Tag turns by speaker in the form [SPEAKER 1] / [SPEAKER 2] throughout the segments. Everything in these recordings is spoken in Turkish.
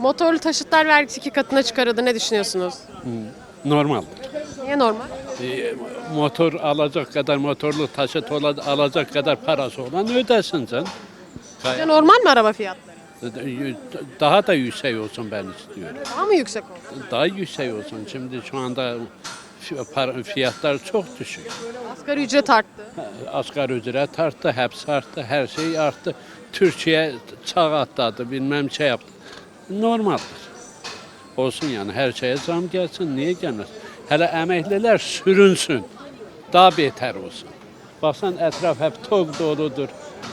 [SPEAKER 1] Motorlu taşıtlar vergisi 2 katına çıkarıldı. Ne düşünüyorsunuz?
[SPEAKER 2] Normal.
[SPEAKER 1] Niye normal?
[SPEAKER 2] Motor alacak kadar, motorlu taşıt alacak kadar parası olan ödesin canım.
[SPEAKER 1] Sizce normal mi araba fiyatları?
[SPEAKER 2] Daha da yüksek olsun ben istiyorum.
[SPEAKER 1] Daha mı yüksek oldu?
[SPEAKER 2] Daha yüksek olsun. Şimdi şu anda fiyatlar çok düşük.
[SPEAKER 1] Asgari ücret arttı.
[SPEAKER 2] Asgari ücret arttı, hepsi arttı, her şey arttı. Türkiye çağ atladı, bilmem şey yaptı. Normaldir. Olsun yani her şeye zam gelsin, niye gelmez? Hele emekliler sürünsün, daha beter olsun. Baksan etraf hep tok doludur.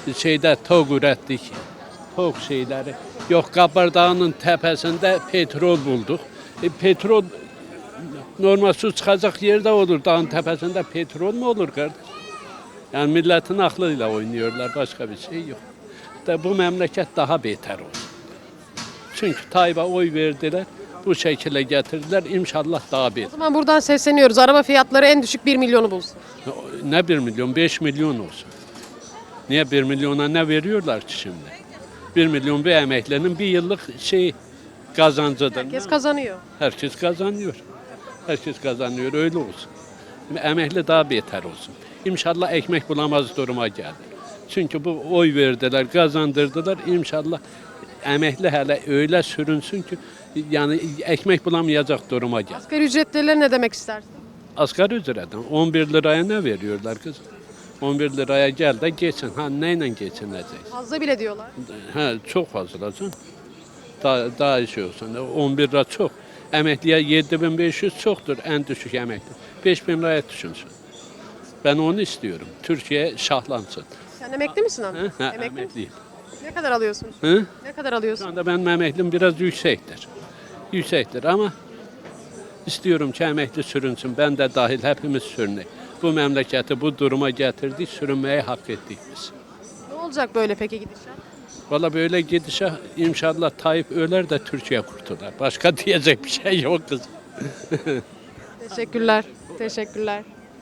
[SPEAKER 2] Tok ürettik, tok şeyleri. Yok Kabardağ'ın tepesinde petrol bulduk. Petrol normal su çıkacak yerde olur. Dağın tepesinde petrol mu olur kardeş? Yani milletin aklıyla oynuyorlar, başka bir şey yok. Bu memleket daha beter olur. Çünkü Tayyip'e oy verdiler, bu şekilde getirdiler. İnşallah daha
[SPEAKER 1] O
[SPEAKER 2] beter.
[SPEAKER 1] zaman buradan sesleniyoruz. Araba fiyatları en düşük 1 milyonu bulsun.
[SPEAKER 2] Ne 1 milyon, 5 milyon olsun. Niye 1 milyona ne veriyorlar ki şimdi? 1 milyon bir emeklinin bir yıllık kazancıdır.
[SPEAKER 1] Herkes kazanıyor.
[SPEAKER 2] Herkes kazanıyor. Herkes kazanıyor, öyle olsun. Emekli daha beter olsun. İnşallah ekmek bulamaz duruma geldi. Çünkü bu oy verdiler, kazandırdılar. İnşallah emekli hele öyle sürünsün ki yani ekmek bulamayacak duruma geldi.
[SPEAKER 1] Asgari ücretliler ne demek istersin?
[SPEAKER 2] Asgari ücretten 11 liraya ne veriyorlar kız? 11 liraya gel de geçin. Ha neyle geçineceksin?
[SPEAKER 1] Fazla bile diyorlar.
[SPEAKER 2] Ha çok fazla canım. Daha şey olsun. 11 lira çok. Emekliye 7500 çoktur en düşük emekli. 5000 liraya düşünsün. Ben onu istiyorum. Türkiye şahlansın.
[SPEAKER 1] Sen emekli misin abi?
[SPEAKER 2] Ha,
[SPEAKER 1] Emekli misin?
[SPEAKER 2] emekliyim.
[SPEAKER 1] Ne kadar alıyorsun?
[SPEAKER 2] Hı?
[SPEAKER 1] Ne kadar
[SPEAKER 2] Şu
[SPEAKER 1] alıyorsun?
[SPEAKER 2] anda benim emeklim biraz yüksektir. Yüksektir ama istiyorum ki emekli sürünsün. Ben de dahil hepimiz sürünek. Bu memleketi bu duruma getirdik, sürünmeye hak ettik biz.
[SPEAKER 1] Ne olacak böyle peki gidişat?
[SPEAKER 2] Valla böyle gidişe inşallah Tayyip öler de Türkiye kurtular. Başka diyecek bir şey yok kızım.
[SPEAKER 1] Teşekkürler. Teşekkürler.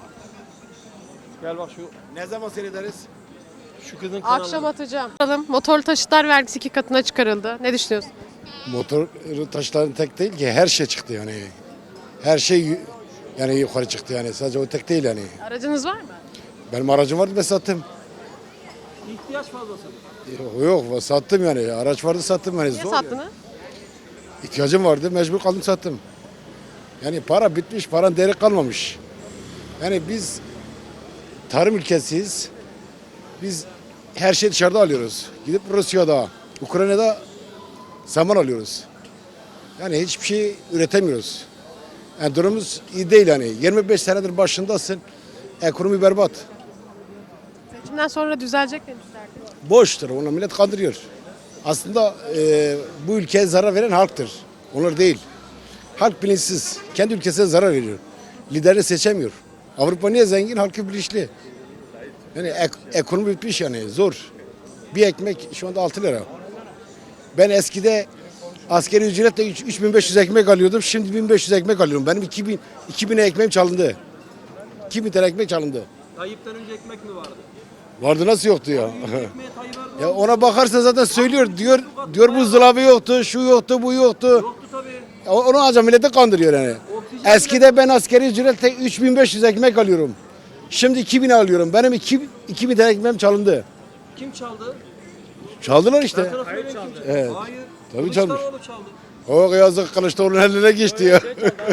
[SPEAKER 3] Gel bak şu ne zaman seyrederiz? Şu kızın kanalı.
[SPEAKER 1] Akşam atacağım. Motorlu taşıtlar vergisi 2 katına çıkarıldı. Ne düşünüyorsun?
[SPEAKER 4] Motor taşların tek değil ki her şey çıktı yani. Her şey yani yukarı çıktı yani. Sadece o tek değil yani.
[SPEAKER 1] Aracınız var mı?
[SPEAKER 4] Benim aracım vardı ben sattım.
[SPEAKER 3] İhtiyaç fazlası.
[SPEAKER 4] Yok sattım yani. Araç vardı sattım yani.
[SPEAKER 1] Niye
[SPEAKER 4] Zor
[SPEAKER 1] sattınız?
[SPEAKER 4] yani. İhtiyacım vardı mecbur kaldım sattım. Yani para bitmiş, paranın değeri kalmamış. Yani biz tarım ülkesiyiz. Biz her şeyi dışarıda alıyoruz. Gidip Rusya'da, Ukrayna'da saman alıyoruz. Yani hiçbir şey üretemiyoruz. Yani durumumuz iyi değil yani. 25 senedir başındasın. Ekonomi berbat.
[SPEAKER 1] Seçimden sonra düzelecek demişlerdi.
[SPEAKER 4] Boştur. Onu millet kandırıyor. Aslında bu ülkeye zarar veren halktır. Onlar değil. Halk bilinçsiz. Kendi ülkesine zarar veriyor. Liderini seçemiyor. Avrupa niye zengin? Halkı bilinçli. Yani ekonomi bitmiş yani. Zor. Bir ekmek şu anda 6 lira. Ben eskide askeri ücretle 3500 ekmek alıyordum. Şimdi 1500 ekmek alıyorum. Benim 2000 ekmeğim çalındı. 2000 tane ekmek çalındı.
[SPEAKER 3] Tayyip'ten önce ekmek mi vardı?
[SPEAKER 4] Vardı nasıl yoktu ya?
[SPEAKER 3] Ekmeğe Tayyip Erdoğan
[SPEAKER 4] Ya ona bakarsan zaten söylüyor. Diyor buzdolabı yoktu, şu yoktu, bu yoktu.
[SPEAKER 3] yoktu tabii.
[SPEAKER 4] Onu ancak millete kandırıyor yani.
[SPEAKER 3] Oksijen
[SPEAKER 4] Eskide ben askeri ücretle 3500 ekmek alıyorum. Şimdi 2000 alıyorum. Benim 2000 tane ekmeğim çalındı.
[SPEAKER 3] Kim çaldı?
[SPEAKER 4] Çaldılar işte.
[SPEAKER 3] Sana söyleyeyim kim çaldı?
[SPEAKER 4] Evet.
[SPEAKER 3] Hayır.
[SPEAKER 4] Tabii çalmış.
[SPEAKER 3] Kılıçdaroğlu çaldı.
[SPEAKER 4] O yazık Kılıçdaroğlu'nun eline geçti ya.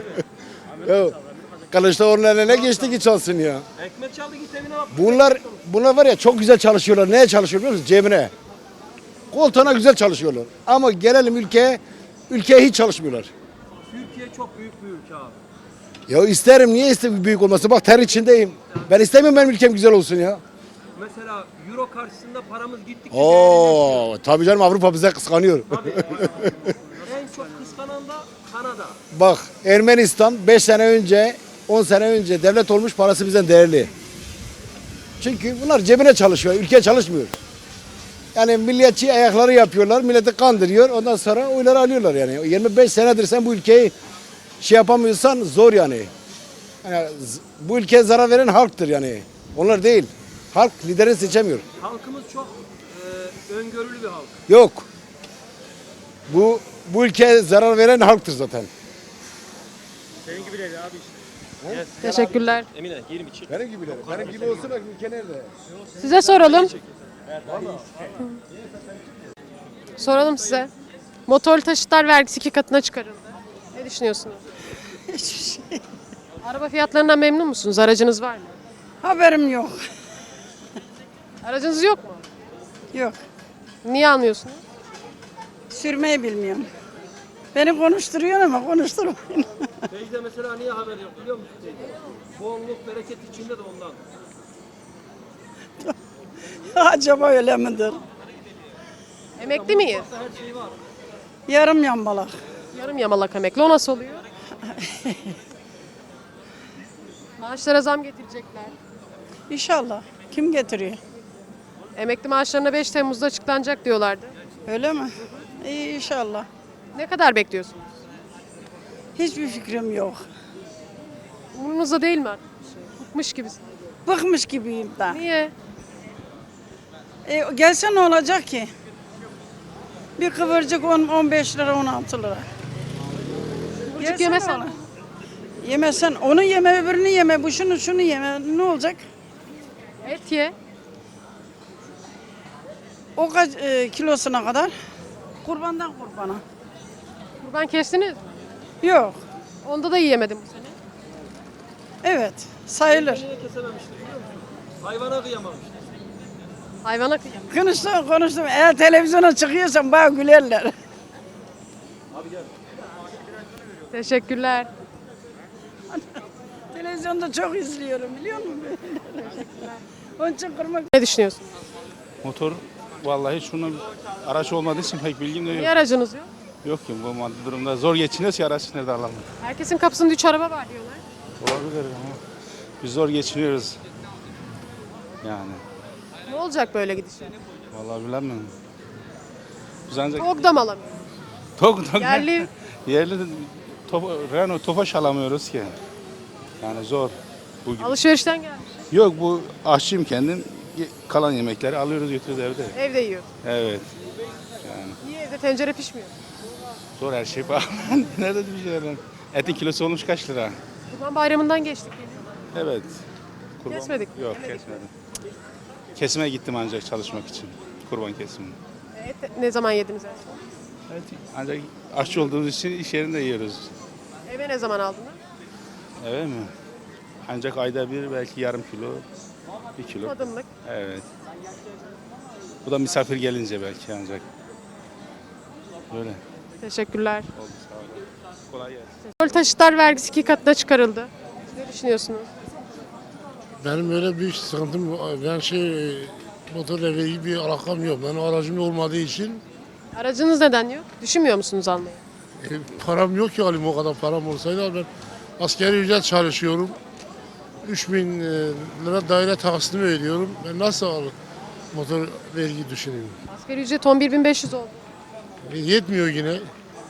[SPEAKER 4] Ya Kılıçdaroğlu'nun eline geçti ki çalsın ya.
[SPEAKER 3] Ekmek çaldı git evine bak.
[SPEAKER 4] Bunlar var ya çok güzel çalışıyorlar. Neye çalışıyor biliyor musun? Cebine. Koltuğuna güzel çalışıyorlar. Ama gelelim ülkeye hiç çalışmıyorlar.
[SPEAKER 3] Türkiye çok büyük bir ülke abi.
[SPEAKER 4] Ya isterim niye istemiyorum büyük olması? Bak ter içindeyim. Ben istemiyorum benim ülkem güzel olsun ya.
[SPEAKER 3] Mesela euro karşısında paramız gittikçe
[SPEAKER 4] Oo tabii canım Avrupa bize kıskanıyor.
[SPEAKER 3] en çok kıskanan da Kanada.
[SPEAKER 4] Bak Ermenistan 5 sene önce 10 sene önce devlet olmuş parası bizden değerli. Çünkü bunlar cebine çalışıyor, ülkeye çalışmıyor. Yani milliyetçi ayakları yapıyorlar, milleti kandırıyor. Ondan sonra oyları alıyorlar yani. 25 senedir sen bu ülkeyi yapamıyorsan zor yani. Yani bu ülkeye zarar veren halktır yani. Onlar değil. Halk lideri seçemiyor.
[SPEAKER 3] Halkımız çok öngörülü bir halk.
[SPEAKER 4] Yok. Bu bu ülkeye zarar veren halktır zaten.
[SPEAKER 3] Senin gibileri abi işte.
[SPEAKER 1] Teşekkürler.
[SPEAKER 3] Emine girin bir çek.
[SPEAKER 4] Benim gibiler. Benim gibi olsun bak ülke nerede?
[SPEAKER 1] Size soralım. Soralım size. Motorlu taşıtlar vergisi 2 katına çıkarıldı. Ne düşünüyorsunuz?
[SPEAKER 5] Hiçbir şey.
[SPEAKER 1] Araba fiyatlarından memnun musunuz? Aracınız var mı?
[SPEAKER 5] Haberim yok.
[SPEAKER 1] Aracınız yok mu?
[SPEAKER 5] Yok.
[SPEAKER 1] Niye almıyorsunuz?
[SPEAKER 5] Sürmeyi bilmiyorum. Beni konuşturuyor ama konuşturmayın.
[SPEAKER 3] Teyze mesela niye haber yok biliyor musun teyze? Bolluk bereket içinde de ondan.
[SPEAKER 5] Acaba öyle midir?
[SPEAKER 1] Emekli miyiz?
[SPEAKER 3] Her şey var.
[SPEAKER 5] Yarım yambalak.
[SPEAKER 1] Yarım yamalak emekli. O nasıl oluyor? Maaşlara zam getirecekler.
[SPEAKER 5] İnşallah. Kim getiriyor?
[SPEAKER 1] Emekli maaşlarına 5 Temmuz'da açıklanacak diyorlardı.
[SPEAKER 5] Öyle mi? İyi inşallah.
[SPEAKER 1] Ne kadar bekliyorsunuz?
[SPEAKER 5] Hiçbir fikrim yok.
[SPEAKER 1] Umurunuzda değil mi artık? Bıkmış gibisin.
[SPEAKER 5] Bıkmış gibiyim ben.
[SPEAKER 1] Niye?
[SPEAKER 5] Gelse ne olacak ki? Bir kıvırcık 15 lira 16 lira.
[SPEAKER 1] Kıvırcık
[SPEAKER 5] Gelse
[SPEAKER 1] yemesen.
[SPEAKER 5] ne olur? Yemesen onu yeme öbürünü yeme bu şunu yeme ne olacak?
[SPEAKER 1] Et ye.
[SPEAKER 5] O kaç kilosuna kadar? Kurbandan kurbana.
[SPEAKER 1] Kurban kestiniz mi?
[SPEAKER 5] Yok.
[SPEAKER 1] Onda da yiyemedim bu sene.
[SPEAKER 5] Evet. Sayılır.
[SPEAKER 3] Niye kesememiştir biliyor musun? Hayvana kıyamamıştır.
[SPEAKER 1] Hayvana kıyam.
[SPEAKER 5] Konuştum. Eğer televizyona çıkıyorsan bana gülerler.
[SPEAKER 1] Teşekkürler.
[SPEAKER 5] Televizyonda çok izliyorum biliyor musun? Onun için kırmak.
[SPEAKER 1] Ne düşünüyorsun?
[SPEAKER 6] Motor vallahi şunun araç olmadığı için pek bilgim de yok.
[SPEAKER 1] Niye aracınız yok?
[SPEAKER 6] Yok ki bu maddi durumda zor geçiniyoruz ki araç nerede alalım.
[SPEAKER 1] Herkesin kapısında 3 araba var diyorlar.
[SPEAKER 6] Olabilir ama biz zor geçiniyoruz. Yani
[SPEAKER 1] Ne olacak böyle gidişle?
[SPEAKER 6] vallahi bilemiyorum. Biz ancak
[SPEAKER 1] Tok da mı alamıyor?
[SPEAKER 6] tok
[SPEAKER 1] Yerli
[SPEAKER 6] yerli Renault Tofaş alamıyoruz ki. Yani zor. Bugün.
[SPEAKER 1] alışverişten gelmiş.
[SPEAKER 6] Yok bu aşçıyım kendim. Kalan yemekleri alıyoruz götürüyoruz evde.
[SPEAKER 1] Evde yiyor.
[SPEAKER 6] Evet. Yani
[SPEAKER 1] Niye evde tencere pişmiyor?
[SPEAKER 6] zor her şey pahalı. Nerede bir şey ben? Etin kilosu olmuş kaç lira?
[SPEAKER 1] Kurban bayramından geçtik.
[SPEAKER 6] Evet.
[SPEAKER 1] Kesmedik mi?
[SPEAKER 6] Yok
[SPEAKER 1] Yemedik mi?
[SPEAKER 6] kesmedim. Kesime gittim ancak çalışmak için. Kurban kesimi.
[SPEAKER 1] Et ne zaman yediniz en son?
[SPEAKER 6] Evet. Ancak aşçı olduğumuz için iş yerinde yiyoruz.
[SPEAKER 1] Eve ne zaman aldınız?
[SPEAKER 6] Evet mi? Ancak ayda bir belki yarım kilo, 1 kilo.
[SPEAKER 1] Tadımlık.
[SPEAKER 6] Evet. Bu da misafir gelince belki ancak. Böyle.
[SPEAKER 1] Teşekkürler.
[SPEAKER 6] Oldu sağ olun. Kolay gelsin.
[SPEAKER 1] Motorlu taşıtlar vergisi 2 katına çıkarıldı. Ne düşünüyorsunuz?
[SPEAKER 7] Benim öyle büyük sıkıntım, ben motorla ilgili bir alakam yok. Benim aracım olmadığı için
[SPEAKER 1] Aracınız neden yok? Düşünmüyor musunuz almayı?
[SPEAKER 7] param yok ki alayım o kadar param olsaydı. Ben asgari ücret çalışıyorum. 3000 lira daire taksitimi ödüyorum. Ben nasıl motor vergi düşüneyim?
[SPEAKER 1] Asgari ücret 11.500 oldu.
[SPEAKER 7] Yetmiyor yine.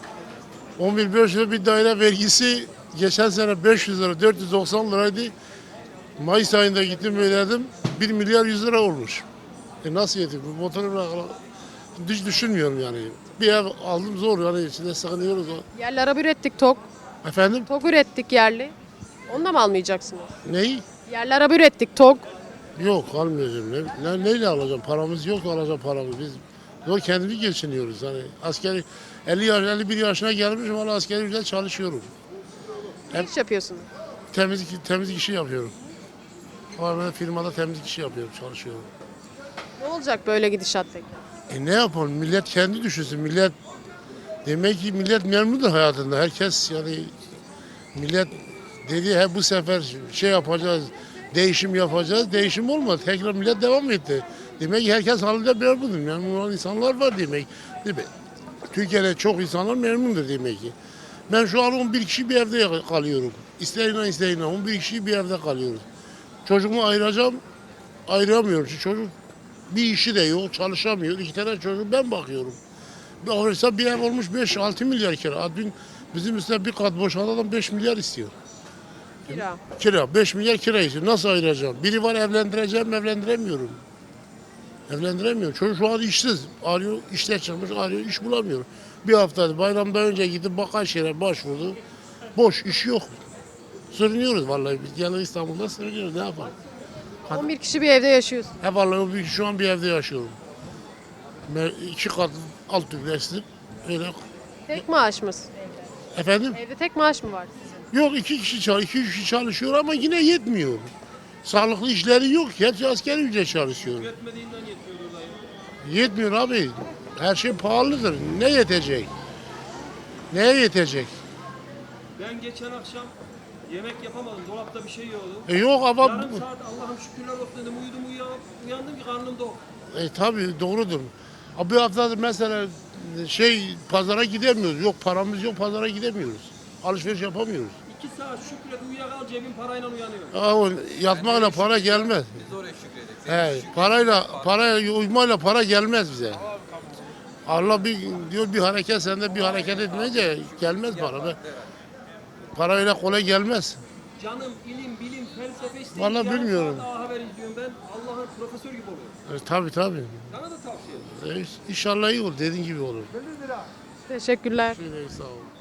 [SPEAKER 7] 11.500 lira bir daire vergisi geçen sene 500 lira, 490 liraydı. Mayıs ayında gittim ödedim. 1 milyar 100 lira olmuş. Nasıl yetiyor? Bu motoru hiç düşünmüyorum yani. Bir ev aldım zor yani içinde sıkılıyoruz.
[SPEAKER 1] Yerli araba ürettik TOG.
[SPEAKER 7] Efendim?
[SPEAKER 1] TOG ürettik yerli. Onu da mı almayacaksınız?
[SPEAKER 7] Neyi?
[SPEAKER 1] Yerli araba ürettik TOG.
[SPEAKER 7] Yok almayacağım. Neyle alacağım? Paramız yok alacağım paramız. Biz zor kendimiz geçiniyoruz. Hani askeri 51 yaşına gelmişim hala askeri ücret çalışıyorum.
[SPEAKER 1] Ne iş yapıyorsunuz?
[SPEAKER 7] Temizlik işi yapıyorum. Ama ben firmada temizlik işi yapıyorum, çalışıyorum.
[SPEAKER 1] Ne olacak böyle gidişat peki?
[SPEAKER 7] Ne yapalım? Millet kendi düşünsün. Demek ki millet memnundur hayatında. Herkes yani millet dedi bu sefer yapacağız, değişim yapacağız. Değişim olmadı. Tekrar millet devam etti. Demek ki herkes halinde memnundur. Memnun olan insanlar var demek. Değil mi? Türkiye'de çok insanlar memnundur demek ki. Ben şu an 11 kişi bir evde kalıyorum. İsteğine 11 kişi bir evde kalıyoruz. Çocuğumu ayıracağım, ayıramıyorum. Çünkü çocuk bir işi de yok, çalışamıyor. 2 tane çocuğu ben bakıyorum. Bir ev olmuş 5-6 milyar kira. Dün bizim üstüne bir kat boşalan adam 5 milyar istiyor.
[SPEAKER 1] Kira.
[SPEAKER 7] Kira, 5 milyar kira istiyor. Nasıl ayıracağım? Biri var evlendiremiyorum. Evlendiremiyorum. Çocuk şu an işsiz. Arıyor, işler çıkmış, arıyor, iş bulamıyor. Bir hafta bayramdan önce gidip Başşehir'e başvurdu. Boş, iş yok. Sürünüyoruz vallahi. Biz yani İstanbul'da sürünüyoruz. Ne yapalım?
[SPEAKER 1] 11 kişi bir evde yaşıyorsun.
[SPEAKER 7] He vallahi şu an bir evde yaşıyorum. 2 kat alt dublesli. Öyle.
[SPEAKER 1] Tek maaş mısın?
[SPEAKER 7] Efendim?
[SPEAKER 1] Evde tek maaş mı var sizin?
[SPEAKER 7] Yok 2 kişi çalışıyor ama yine yetmiyor. Sağlıklı işleri yok. Hepsi asgari ücret çalışıyor. Yetmiyor abi. Her şey pahalıdır. Ne yetecek? Neye yetecek?
[SPEAKER 8] Ben geçen akşam yemek yapamadım. Dolapta bir şey yoktu.
[SPEAKER 7] Yok ama
[SPEAKER 8] Yarım saat Allah'ım şükürler olsun dedim. Uyandım ki karnım tok.
[SPEAKER 7] tabii doğrudur. Abi bir haftadır mesela pazara gidemiyoruz. Yok paramız yok pazara gidemiyoruz. Alışveriş yapamıyoruz.
[SPEAKER 8] 2 saat şükret uyuyakal cebim parayla uyanıyor.
[SPEAKER 7] O yatmakla para gelmez. Biz oraya şükredeceğiz. Parayla uyumayla para gelmez bize. Allah diyor bir hareket sende bir hareket etmeyince gelmez para be. Para öyle kolay gelmez.
[SPEAKER 8] Canım ilim, bilim, felsefe işte.
[SPEAKER 7] Vallahi bilmiyorum.
[SPEAKER 8] Daha haber izliyorum ben. Allah'ın profesör gibi oluyor.
[SPEAKER 7] Tabii.
[SPEAKER 8] Bana da tavsiye ederim.
[SPEAKER 7] İnşallah iyi olur dediğin gibi olur.
[SPEAKER 1] Teşekkürler.
[SPEAKER 7] Sağ ol.